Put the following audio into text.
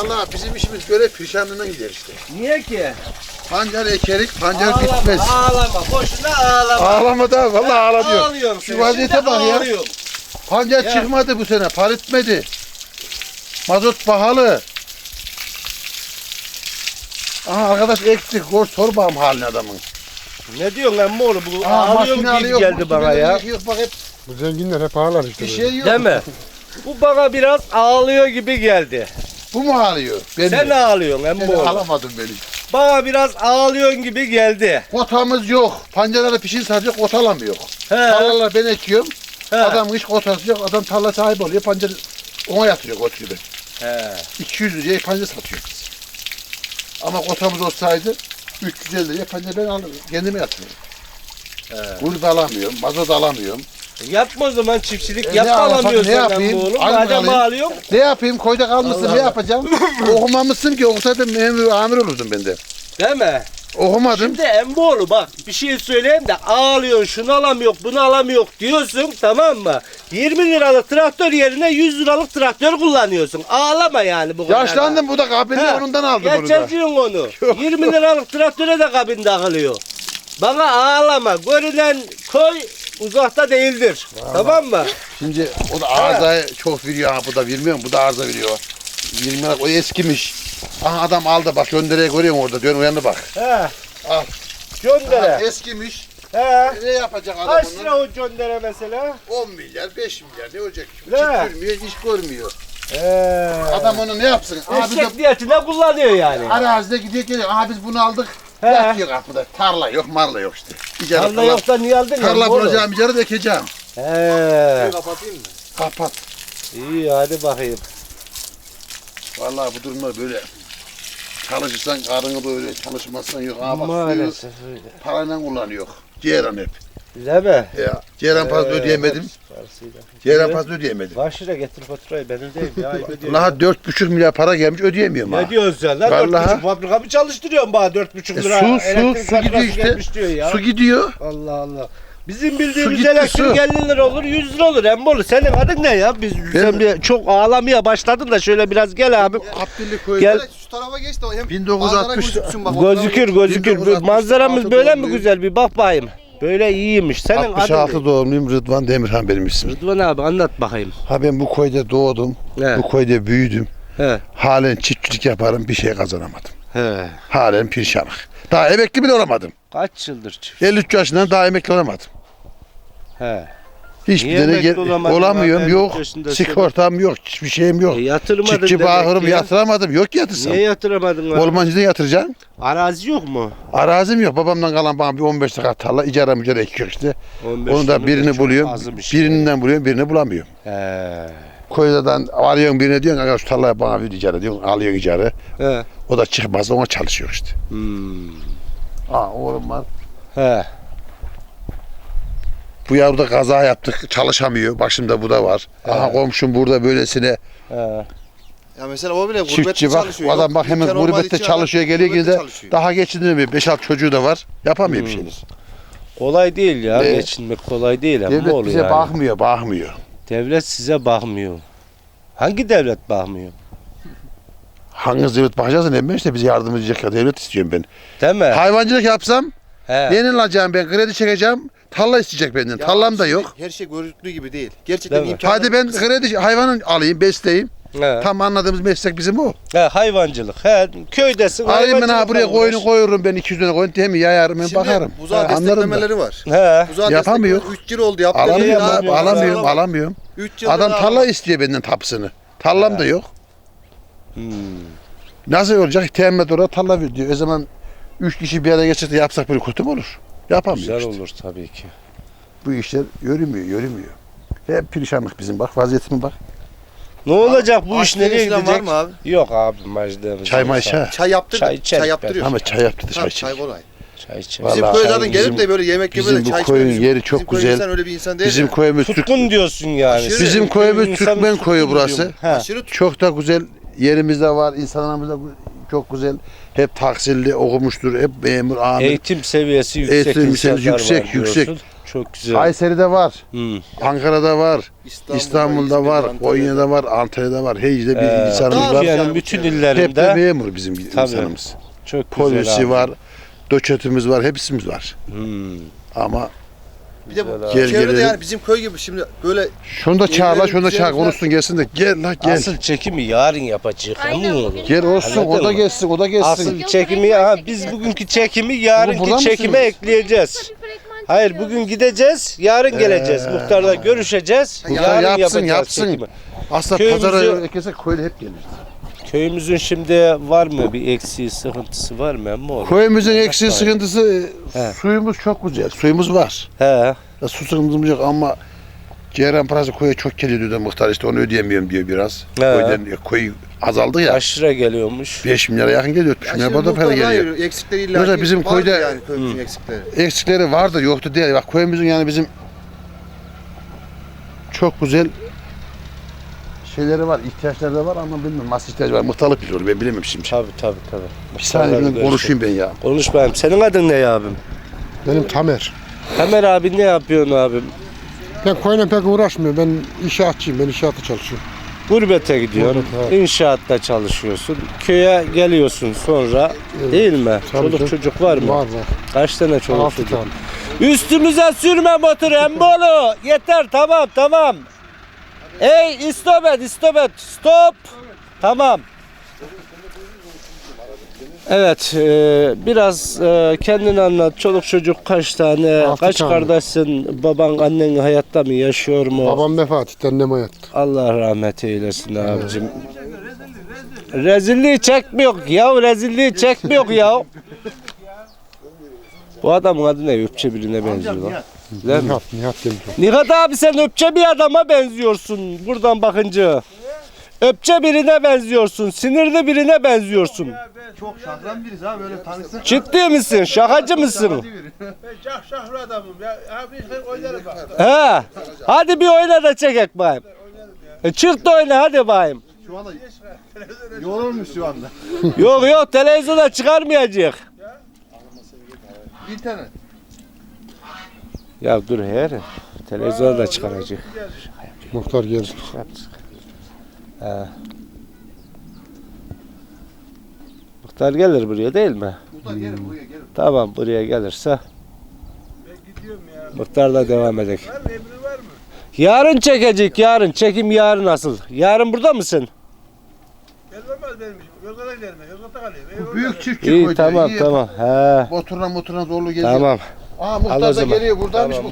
Vallahi bizim işimiz böyle perişanlığına gider işte. Niye ki? Pancar ekerik, pancar Ağlama, bitmez. ağlama. Boşuna ağlama. Ağlama da vallahi ağla diyor. Ağlıyorum. Şu vaziyete bak ya. Pancar Ya. çıkmadı bu sene, par etmedi. Mazot pahalı. Aha arkadaş ektik, sor bağım halini adamın. Ne diyorsun emmi oğlu? Bu Aa, ağlıyorum makine gibi alıyor, geldi bana ya. Yok, bak hep Bu zenginler hep ağlar işte. bir şey yok. Değil mi? Bu bana biraz ağlıyor gibi geldi. Bu mu ağlıyor? Beni. Sen ağlıyorsun emmi Seni oğlu. alamadın beni. Bana biraz ağlıyorsun gibi geldi. Kotamız yok. Pancarlara pişin sadece kot alamıyor. He. Tarlalar ben ekiyorum. He. Adam hiç kotası yok. Adam tarla sahibi oluyor. Pancar ona yatırıyor kot gibi. He. 200 liraya pancar satıyor biz. Ama kotamız olsaydı 350 liraya pancar ben alırım. Kendime yatırıyorum. Kulübe alamıyorum. Mazot alamıyorum. Yapma o zaman çiftçilik. Ne Yap da yapayım, alamıyorsun ne emmi yapayım? oğlum. Aynı Madem alayım. ağlıyorsun. Ne yapayım? Koyda kalmışsın. Allah Ne Allah. yapacağım? Okumamışsın ki. Okusaydım memur amir olurdum ben de. Değil mi? Okumadım. Şimdi emmoğlu bak bir şey söyleyeyim de ağlıyorsun şunu alamıyor bunu alamıyor diyorsun tamam mı? 20 liralık traktör yerine 100 liralık traktör kullanıyorsun. Ağlama yani bu kadar. Yaşlandım, bu da kabini He, onundan aldım bunu da. Geçerciyorsun onu. 20 liralık traktöre de kabin takılıyor. Bana ağlama. Görünen köy uzakta değildir. Tamam mı? Şimdi o da arızayı çok veriyor. Ha, bu da vermiyor mu? Bu da arıza veriyor. 20 lira o eskimiş. Aha adam aldı bak, göndereye görüyorsun orada. Dön uyandı bak. He. Al. Göndere. Eskimiş. He. Ne yapacak adam Kaç onu? lira o göndere mesela? 10 milyar, 5 milyar ne olacak? Ne? Çıkmıyor, iş görmüyor. He. Adam onu ne yapsın? Abi de Eşek niyetine kullanıyor yani. arazide gidiyor geliyor. Aha biz bunu aldık. He. Yatıyor kapıda. Tarla yok, marla yok işte. İcara Tarla yoksa niye aldın ya? Tarla oğlum? bulacağım, icara da ekeceğim. He. Kapatayım mı? Kapat. İyi hadi bakayım. Vallahi bu durumda böyle. Çalışırsan karını böyle, çalışmazsan yok. Aha bak suyu Maalesef öyle. parayla kullanıyor. Ceyran hep. Değil mi? Ya, Ceyran fazla ödeyemedim. Ceyran fazla ödeyemedim. Kaç lira getir faturayı benim değil ya. ayıp ediyorum. Ulan 4,5 milyar para gelmiş, ödeyemiyorum ha. Ne diyorsun sen lan? Vallahi. 4,5 fabrika mı çalıştırıyorsun bana 4,5 lira? Su elektrik gidiyor faturası işte. gelmiş diyor ya. Su gidiyor. Allah Allah. Bizim bildiğimiz gitti, elektrik su. 50 lira olur 100 lira olur Emmoğlu. Senin adın ne ya? Sen bir çok ağlamaya başladın da şöyle biraz gel abi. Abdülli koyu. Gel. Şu tarafa geç de o hem 1960 Gözükür gözükür. 1966 Manzaramız böyle mi doğumluyum. güzel bir bak bakayım. Böyle iyiymiş. Senin adın 66 ne? doğumluyum, Rıdvan Demirhan benim ismim. Rıdvan abi anlat bakayım. Ha ben bu koyda doğdum, He. bu koyda büyüdüm. He. Halen çiftçilik yaparım, bir şey kazanamadım. He. Halen pirşanık. Daha emekli bile olamadım. Kaç yıldır çift? 53 yaşından daha emekli olamadım. He. Hiçbir Niye tane emekli olamadın olamıyorum, abi? yok. 53 yaşında Sigortam yok, hiçbir şeyim yok. Yatırmadın Çiftçi demek bağırım ki ya. yatıramadım, yok yatırsam. Niye yatıramadın? Ormancıda yatıracaksın. Arazi yok mu? Arazim yok. Babamdan kalan bana bir 15 dakika tarla icara mücara ekiyor işte. 15 Onu da tane de birini çok buluyorum. azmış. Birinden buluyorum, birini bulamıyorum. He. Koydadan arıyorsun birine diyorsun, aga şu tarlayı bana bir icara diyorsun, alıyorsun icara. He. O da çıkmaz, ona çalışıyor işte. Hmm. Oğlum var. He. Bu yavruda kaza yaptık, çalışamıyor. Başımda bu da var. Aha komşum burada böylesine He. Ya mesela o bile gurbette çiftçi bak. çalışıyor. O adam Yok, bak hemen imkan olmadığı gurbette için çalışıyor, adam geliyor gurbette yine de çalışıyor. daha geçindirmiyor. 5-6 çocuğu da var. Yapamıyor bir şeyler. Kolay değil ya. Evet. Geçinmek kolay değil ama Devlet olur bize yani. bakmıyor. Devlet size bakmıyor. Hangi devlet bakmıyor? Hangi devlet bakacağız ne ben işte bize yardım edecek ya devlet istiyorum ben. Değil mi? Hayvancılık yapsam He. neyle alacağım ben? Kredi çekeceğim. Tarla isteyecek benden. Ya Tarlam da şimdi yok. Her şey görüntülü gibi değil. Gerçekten Değil mi? imkanı. Hadi ben kredi hayvanı alayım, besleyeyim. He. Tam anladığımız meslek bizim o. He, hayvancılık. He, köydesin. Alayım ben ha buraya hayvancılıkla koyunu uğraş. koyurum ben 200 lira koyun temi yayarım ben Şimdi bakarım. buzağa Anlarım da. desteklemeleri var. He. Buzağa Yapamıyor. desteklemeleri 3 yıl oldu yaptı. Alamıyorum Niye abi, yapamıyor? alamıyorum. 3 yıl Adam tarla istiyor benden tapısını. Tarlam da yok. Hmm. Nasıl olacak? Teminat oraya tarla ver diyor. O zaman 3 kişi bir araya geçirse yapsak böyle kötü mü olur? Yapamıyor Güzel işte. olur tabii ki. Bu işler yürümüyor. Hep perişanlık bizim bak vaziyetime bak. Ne olacak bu iş Açlığı nereye falan gidecek? var mı abi? Yok abi maçlarımız. Çay mayşa. Çay yaptır. Çay Çay, içerim yaptırıyor. Ama çay yaptı da çay Tabii, çek. çay kolay. Çay içelim. Vallahi Bizim köy zaten çay- gelip bizim- de böyle yemek yemeden bizim bu çay koyun içmiyor. yeri çok Bizim köy güzel. insan öyle bir insan değil. Bizim ya. köyümüz Türk. Tutkun diyorsun yani. Aşırı. Bizim köyümüz İnsanın Türkmen koyu tutkun burası. diyorum. He. Aşırı Çok da güzel yerimiz de var. İnsanlarımız da çok güzel. Hep tahsilli okumuştur. Hep memur, amir. Eğitim seviyesi yüksek Eğitim insanlar seviyesi yüksek, var yüksek. diyorsun. Çok güzel. Kayseri'de var. Hmm. Ankara'da var. İstanbul'da var. İzmir'de, Konya'da var. Antalya'da var. Heyci'de bir insanımız var. Türkiye'nin bütün Hep de illerinde memur bizim Tabii. insanımız. çok güzel Polisi abi. var. Doçetimiz var. Hepsimiz var. Hmm. Ama Bir de bu Güzel abi. Gel çevrede gelelim. yani bizim köy gibi şimdi böyle şunu da çağır la, şunu da Evlerimiz çağır. yerler- Konuşsun gelsin de. Gel la gel. Asıl çekimi yarın yapacağız. Aynen, Emin olun. bugün- Gel olsun. Anladın O da mı? gelsin. O da gelsin. Asıl Yok, çekimi fragman aha, çekeceğiz. biz bugünkü çekimi burada yarınki çekime mısınız? ekleyeceğiz. Bir fragman Hayır çekiyoruz. bugün gideceğiz, yarın geleceğiz. Muhtarla görüşeceğiz. Muhtar Yarın yapsın, yapacağız yapsın. çekimi. Aslında Köyümüzü- pazara herkese köylü hep gelir. Köyümüzün şimdi var mı bir eksiği, sıkıntısı var mı emmi oğlum? Köyümüzün eksiği sıkıntısı He. suyumuz çok güzel. Suyumuz var. He. Ya su sıkıntımız yok ama ceyran parası koya çok geliyor diyor da muhtar, işte onu ödeyemiyorum diyor biraz. He. Koydan, koyu azaldı ya. Kaç lira geliyormuş? 5 milyara yakın geliyor. 3 ya milyar şimdi da para muhtarlar geliyor. yürüyor, eksikleri illa Yoksa ki bizim vardır köyde- yani köyümüzün eksikleri. Eksikleri vardı yoktu değil. Bak köyümüzün yani bizim çok güzel şeyleri var, ihtiyaçları da var ama bilmiyorum nasıl ihtiyacı var. Muhtarlık biliyor, ben bilemem şimdi. Tabii. Bir saniye Muhtarlarla ben konuşayım ben ya. Konuş bayım. Senin adın ne abim? Benim Tamer. Tamer abi ne yapıyorsun abim? Ben koyuna pek uğraşmıyorum. Ben inşaatçıyım. Ben inşaatta çalışıyorum. Gurbete gidiyorsun, Gurbet, evet. inşaatta çalışıyorsun, köye geliyorsun sonra değil mi? Tabii Çoluk canım. çocuk var mı? Var. Kaç tane çoluk 6 çocuk? tane. Üstümüze sürme motoru Embolu. Yeter tamam. Ey stop et. Stop. Tamam. Evet, biraz kendini anlat. Çoluk çocuk kaç tane, 6 kaç tane. kardeşsin, baban, annen hayatta mı, yaşıyor mu? Babam vefat etti. Annem hayatta. Allah rahmet eylesin abicim. Rezilliği çekmiyor ya. Bu adamın adı ne? Öpçe birine benziyor lan. Değil mi? Nihat Demirel. Nihat abi sen öpçe bir adama benziyorsun buradan bakınca. Öpçe birine benziyorsun. Sinirli birine benziyorsun. Çok şahran biriz ha böyle tanışsın. Ciddi misin? Şakacı mısın? Ben şahşahlı adamım ya. Abi oynarım bak. He. Hadi bir oyna da çekek bayım. Çık da oyna hadi bayım. Şu anda yorulmuş şu anda. Yok televizyona çıkarmayacak. İnternet. Ya dur her. Televizyona da çıkaracak. Muhtar geldi. Muhtar gelir buraya değil mi? Muhtar gelin buraya gelin. Tamam buraya gelirse Ben gidiyorum ya. muhtarla devam edelim. Var mı emri var mı? Yarın çekecek yarın. Çekim yarın asıl. Yarın burada mısın? Gelmez benim işim. Yozgat'a giderim ben. Yozgat'a kalayım. Bu büyük çiftçi İyi koydu. tamam. He. Motoruna zorlu geliyor. Tamam. Aa Al o muhtar da zaman. geliyor buradaymış. Tamam.